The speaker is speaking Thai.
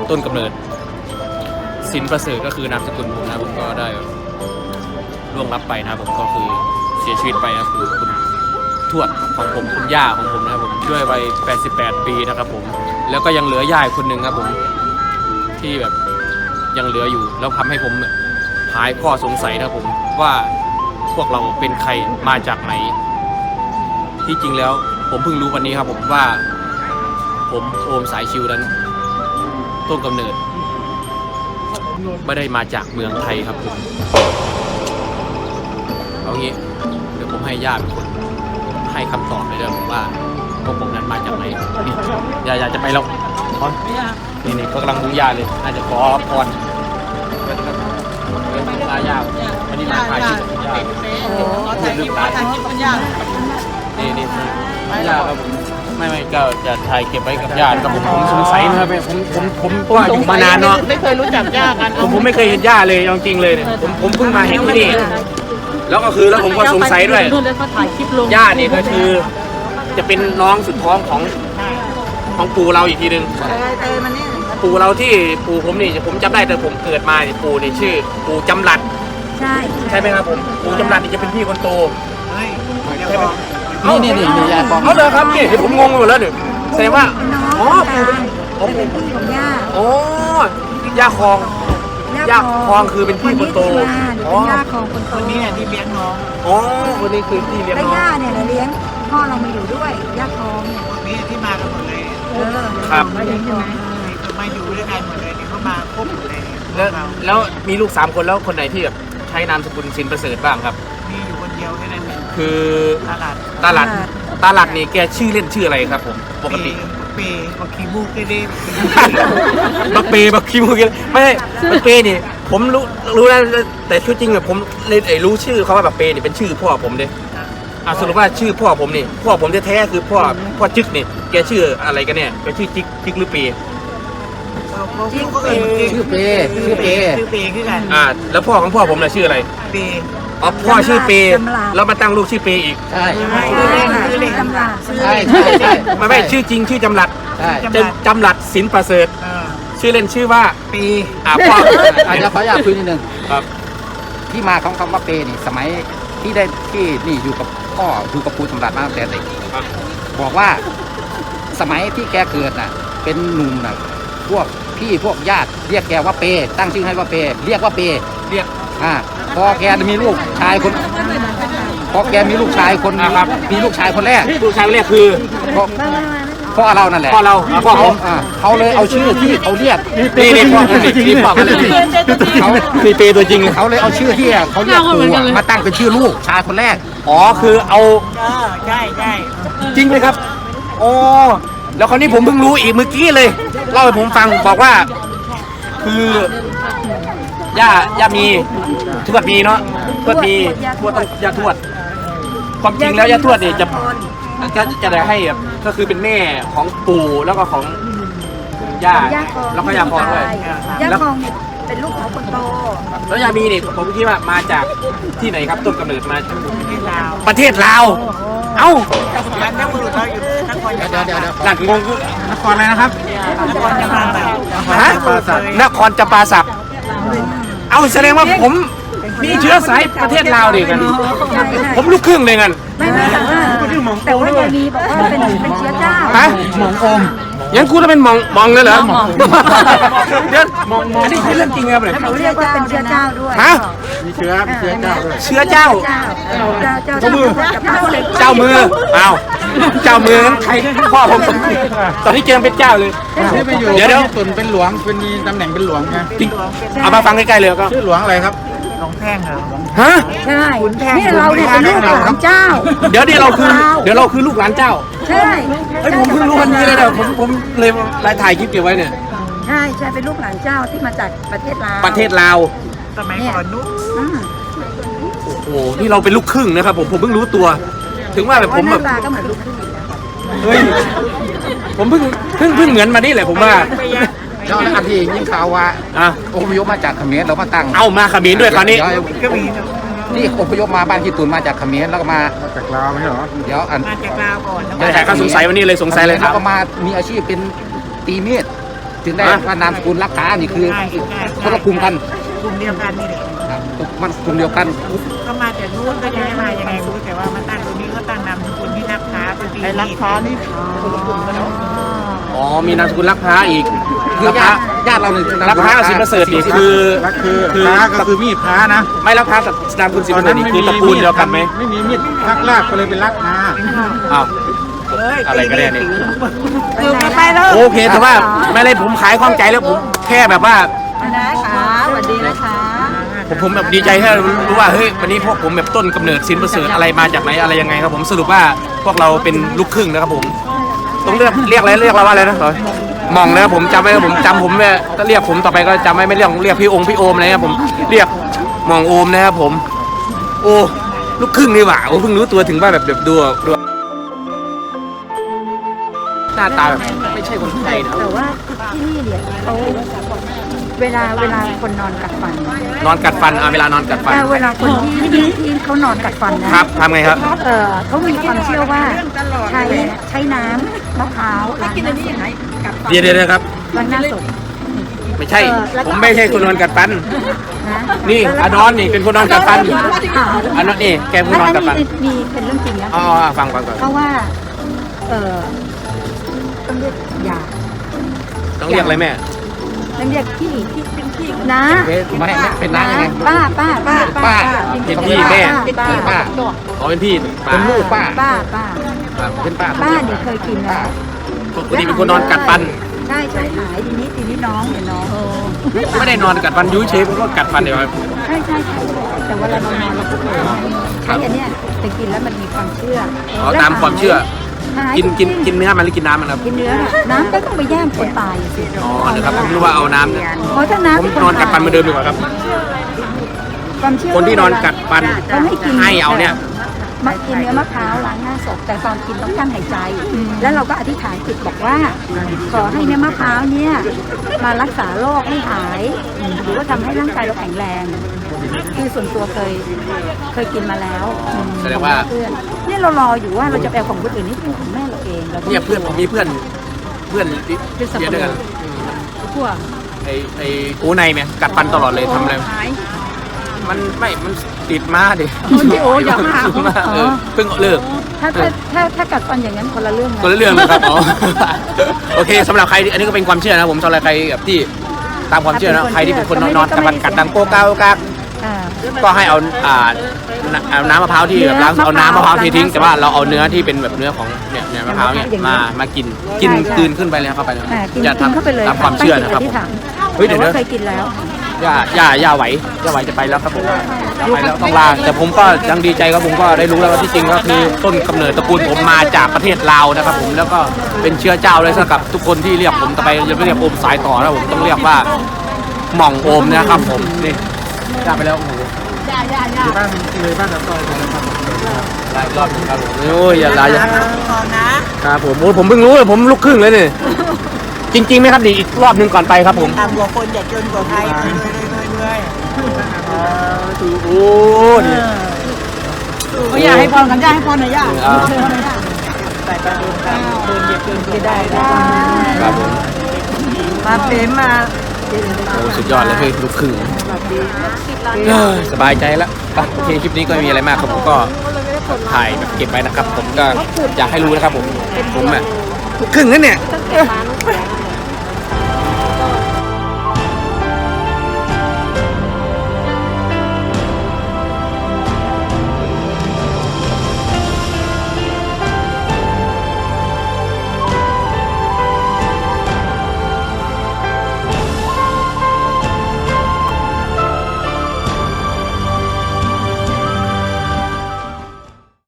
ต้นกำเนิดสินประเสริฐก็คือนามสกุลผมนะผมก็ได้ล่วงลับไปนะผมก็คือเสียชีวิตไปนะคือคุณทวดของผมคุณย่าของผมนะครับผมด้วยวัย88 ปีนะครับผมแล้วก็ยังเหลือย่าคนหนึ่งครับผมที่แบบยังเหลืออยู่แล้วทำให้ผมหายข้อสงสัยนะครับผมว่าพวกเราเป็นใครมาจากไหนที่จริงแล้วผมเพิ่งรู้วันนี้ครับผมว่าผมโอมสายชิวนั้นต้นกำเนิดไม่ได้มาจากเมืองไทยครับผมเอางี้เดี๋ยวผมให้ญาติเป็นคนให้คำตอบเลยนะผมว่าพวกผมนั้นมาจากไหนนี่อยากจะไปแล้วนี่ก็กำลังดูญาติเลยน่าจะขอพรลาญาติวันนี้มาถ่ายคลิปญาติถ่ายคลิปคุณย่านี่ญาติครับไม่ก็จะถ่ายเก็บไว้กับญาติครับผมสงสัยนะครับผมว่าอยู่มานานเนาะไม่เคยรู้จักย่ากันผมไม่เคยเห็นญาติเลยจริงๆเลยเนี่ยผมเพิ่งมาเห็นที่นี่แล้วก็คือแล้วผมก็สงสัยด้วยญาตินี่ก็คือจะเป็นน้องสุดท้องของปู่เราอีกทีนึงปู่เราที่ปู่ผมนี่ผมจำได้แต่ผมเกิดมาเนี่ยปู่นี่ชื่อปู่จำรัดใช่ไหมครับผมปู่จำรัดนี่จะเป็นพี่คนโตนี่ยายบอกเขาเลยครับนี่ผมงงไปหมดแล้วเนี่ยแสดงว่าอ๋อปู่เป็นพี่ของย่าอ๋อย่าคองคือเป็นพี่คนโตอ๋อย่าคองคนโตคนนี้ที่เลี้ยงน้องอ๋อคนนี้คือที่เลี้ยงน้องย่าเนี่ยเลี้ยงพ่อเรามาอยู่ด้วยย่าคองเนี่ยคนนี้ที่มากันหมดเลยครับมาอยู่ใช่ไหมมาอยู่ด้วยกันหมดเลยเขามาครบหมดเลยแล้วมีลูก3 คนแล้วคนไหนที่แบบใช้นามสกุลสินประเสริฐบ้างครับมีอยู่คนเดียวแค่นั้นเองคือตาหลัดนี่แกชื่อเล่นชื่ออะไรครับผมปกติเปบักคีมูกเด้บักคีมูกไม่บักเปนี่ผมรู้แล้วแต่ชื่อจริงแบบผมเลยรู้ชื่อเขาว่าบักเปนี่เป็นชื่อพ่อผมเลยสรุปว่าชื่อพ่อผมนี่พ่อผมแท้ๆคือพ่อจึกนี่แกชื่ออะไรกันเนี่ยแกชื่อจึกหรือเปชื่อเปคือกันแล้วพ่อของพ่อผมน่ะชื่ออะไรเปพ่อชื่อเปแล้วมาตั้งลูกชื่อเปอีกใช่ไม่ชื่อจริงชื่อจำรัดจำรัดสินประเสริฐชื่อเล่นชื่อว่าเปพ่อเขาอยากคุยนิดนึงที่มาของคำว่าเปนี่สมัยที่นี่อยู่กับพ่ออยู่กับปู่จำรัดมาตั้งแต่เด็กบอกว่าสมัยที่แกเกิดน่ะเป็นหนุ่มน่ะพวกพี่พวกญาติเรียกแกว่าเปตั้งชื่อให้ว่าเปเรียกว่าเปพอแกมีลูกชายคนมีลูกชายคนแรกลูกชายคนแรกคือพ่อเรานั่นแหละพ่อเขาเลยเอาชื่อที่เขาเรียกนี่พ่อกันเลยเขามีเปตัวจริงเขาเลยเอาชื่อที่เขาเรียกปู่มาตั้งเป็นชื่อลูกชายคนแรกคือเอาใช่จริงไหมครับแล้วคราวนี้ผมเพิ่งรู้อีกเมื่อกี้เลยเล่าให้ผมฟังบอกว่าคือย่ามีทวดมีเนาะทวดต้องย่าทวดความจริงแล้วย่าทวดเนี่ยจะได้ให้ก็คือเป็นแม่ของปู่แล้วก็ของย่าแล้วก็ย่าคองด้วยย่าคองเป็นลูกของคนโตแล้วย่ามีเนี่ยผมคิดว่ามาจากที่ไหนครับต้นกำเนิดมาจากประเทศลาวเอ้าแล้วนักบุรุษเราอยู่นครเดี๋ยวหลักงงคือนครอะไรนะครับนครจำปาสักนครจำปาสักเอาแสดงว่าผมมีเชื้อสายประเทศลาวดิกันผมลูกครึ่งเลยกันแต่ว่าจะมีบอกว่าเป็นเชื้อเจ้าหมองอมยังกูจะเป็นมองเลยเหรอเดี๋ยวอันนี้คือเรื่องจริงครับเลยเขาเรียกว่าเป็นเชื้อเจ้าด้วยมีเชื้อเจ้าด้วยเชื้อเจ้าเจ้ามือเจ้ามือใครพ่อผมตอนนี้เจอเป็นเจ้าเลยเดี๋ยวตุนเป็นหลวงเป็นมีตำแหน่งเป็นหลวงไงเอามาฟังใกล้ๆเลยก็ชื่อหลวงอะไรครับหลวงแท่งเหรอฮะใช่นี่เราเนี่ยเป็นลูกหลานเจ้าเดี๋ยวเราคือลูกหลานเจ้าใช่ผมเพิ่งรู้วันนี้เลยนะผมเลยถ่ายคลิปเก็บไว้เนี่ยใช่เป็นลูกหลานเจ้าที่มาจากประเทศลาวสมัยก่อนนู้นโอ้โหนี่เราเป็นลูกครึ่งนะครับผมเพิ่งรู้ตัวถึงว่าแบบผมแบบก็เหมือนลูกครึ่งเฮ้ยผมเพิ่งเหมือนมานี่แหละผมว่าเจ้าหน้าที่ยิ่งข่าวว่าอพยพมาจากเขมรแล้วมาตั้งมาเขมรด้วยคราวนี้นี่อพยพมาบ้านที่ตุนมาจากเขมรแล้วก็มาจากลาวไม่ใช่หรอเดี๋ยวมาจากลาวก่อนแต่ก็สงสัยวันนี้เลยสงสัยเลยครับก็มามีอาชีพเป็นตีมีดถึงได้ว่านามสกุลรักษานี่คือใช่คนละกลุ่มกันกลุ่มเดียวกันนี่แหละครับมันกลุ่มเดียวกันก็มาจากนู้นก็ย้ายมายังไงรู้แต่ว่ามาตั้งตรงนี้ก็ตั้งนามสกุลที่รักค้าเป็นไอ้รักค้านี่คนละกลุ่มกันเนาะอ๋อมีนามสกุลรักพร้าอีกคือญาติเราเนี่ยรักพร้ากับสินประเสริฐนี่คือคือพระก็คือมีดพระนะไม่รักพร้ากับนามสกุลสินประเสริฐนี่คือตระกูลเดียวกันไหมไม่มีมีดพักลากก็เลยเป็นรักพระอ้าวอะไรกันเนี่ยคือไปแล้วโอเคแต่ว่าไม่เลยผมขายข้องใจแล้วผมแค่แบบว่านะคะสวัสดีนะคะผมแบบดีใจแค่รู้ว่าเฮ้ยวันนี้พวกผมแบบต้นกำเนิดสินประเสริฐอะไรมาจากไหนอะไรยังไงครับผมสรุปว่าพวกเราเป็นลูกครึ่งนะครับผมต้องเรียกอะไรเรียกเราว่าอะไรนะมองนะครับผมจำไว้ครับผมจำผมเนี่ยก็เรียกผมต่อไปก็จำไว้ไม่เรียกพี่พี่โอมอะไรครับผมเรียกมองโอมนะครับผมโอ้ลูกครึ่งนี่หว่าโอ้เพิ่งรู้ตัวถึงว่าแบบดูหน้าตาแบบไม่ใช่คนไทยนะแต่ว่าที่นี่เนี่ยเขาเวลาคนนอนกัดฟันนอนกัดฟันเวลานอนกัดฟันเวลาคนที่เขานอนกัดฟันนะครับทำไงครับเขามีความเชื่อว่าใช้น้ำมะพร้าวล้างหน้าศพกัดฟันเดี๋ยวครับล้างหน้าศพไม่ใช่ผมไม่ใช่คนนอนกัดฟันนะนี่อนอนนี่เป็นคนนอนกัดฟันอันนั้นนี่แกคนนอนกัดฟันมีเป็นเรื่องจริงนะอ๋อฟังก่อนเพราะว่าต้องเรียกยาต้องเรียกอะไรแม่ต้องเรียกพี่เป็นพี่นะไม่เป็นน้ายังไงป้าเป็นพี่แม่เป็นป้าอ๋อเป็นพี่เป็นลูกป้าป้าเป็นป้าป้าเนี่ยเคยกินนะปกติเป็นคนนอนกัดฟันใช่หายทีนี้น้องเนี่ยน้องไม่ได้นอนกัดฟันยุ้ยเชฟผมก็กัดฟันเดียวครับใช่แต่เวลาเรานอนเราก็เคยใช้อันเนี้ยแต่กินแล้วมันมีความเชื่ออ๋อตามความเชื่อ กินเนื้อมันหรือกินน้ำมันครับกินเนื้อน้ำก็ต้องไปย่างคนตายสิอ๋อเดี๋ยวครับผมรู้ว่าเอาน้ำเนี่ยเพราะถ้าน้ำผมนอนกัดฟันเหมือนเดิมดีกว่าครับความเชื่อคนที่นอนกัดฟันเขาให้กินให้เอาเนี่ยมากินเนื้อมะพร้าวล้างหน้าศพแต่ตอนกินต้องกั้นหายใจ แล้วเราก็อธิษฐานจิตบอกว่า ขอให้เนื้อมะพร้าวเนี่ยมารักษาโรคให้หายหรือว่าทำให้ร่างกายเราแข็งแรงคือส่วนตัวเคยกินมาแล้วแสดงว่าเพื่อนเนี่ยเรารออยู่ว่าเราจะไปเอาของคนอื่นนี่เป็นของแม่เราเองเราก็เนี่ยเพื่อนผมมีเพื่อนเรียนด้วยกันทั่วไอ้โอ้ในไหมกัดฟันตลอดเลยทำอะไรมันติดมาดิโอ้อย่ามาเพิ่งเลิกถ้ากัดฟันอย่างนั้นคนละเรื่องคนละเรื่องเลยครับอ๋อโอเคสำหรับใครอันนี้ก็เป็นความเชื่อนะผมสำหรับใครแบบที่ตามความเชื่อนะใครที่เป็นคนนอนกัดฟันกัดดังโก้ก้าวก้าก็ให้เอาน้ำมะพร้าวที่แบบล้างเอาน้ำมะพร้าวเททิ้งแต่ว่าเราเอาเนื้อที่เป็นแบบเนื้อของเนี่ยมะพร้าวเนี่ยมากินกลืนขึ้นไปเลยเข้าไปเลยจะทำตามความเชื่อนะครับผมเฮ้ยเดี๋ยวนะเคยกินแล้วย่าไหวจะไปแล้วครับผมไปแล้วต้องลาแต่ผมก็ยังดีใจครับผมก็ได้รู้แล้วว่าที่จริงก็คือต้นกำเนิดตระกูลผมมาจากประเทศลาวนะครับผมแล้วก็เป็นเชื้อเจ้าเลยสำหรับทุกคนที่เรียกผมต่อไปจะไม่เรียกโอมสายต่อนะผมต้องเรียกว่าหม่องโอมนะครับผมนี่ย่าไปแล้วโอ้โหบ้านเลยบ้านกับซอยเลยครับหลายรอบครับผมโอ้ยอย่าลาอย่าก่อนนะครับผมโอ้ผมเพิ่งรู้เลยผมลูกครึ่งเลยนี่จริงๆไหมครับดีอีกรอบหนึงก่อนไปครับผมตามหัวคนอย่าจนกว่าใครเลยโอ้นี่อยากให้พรกันย่าให้พรหน่อยย่าใส่ไปโดนกันโดนเหยียบโดนจะได้ครับผมมาเป็นมาโอ้สุดยอดเลยเฮ้ยลูกครึ่งสบายใจแล้วโอเคคลิปนี้ก็ไม่มีอะไรมากครับผมก็ถ่ายแบบเก็บไว้นะครับ ผมก็อยากให้รู้นะครับผมอ่ะลูกครึ่งนั่นเนี่ย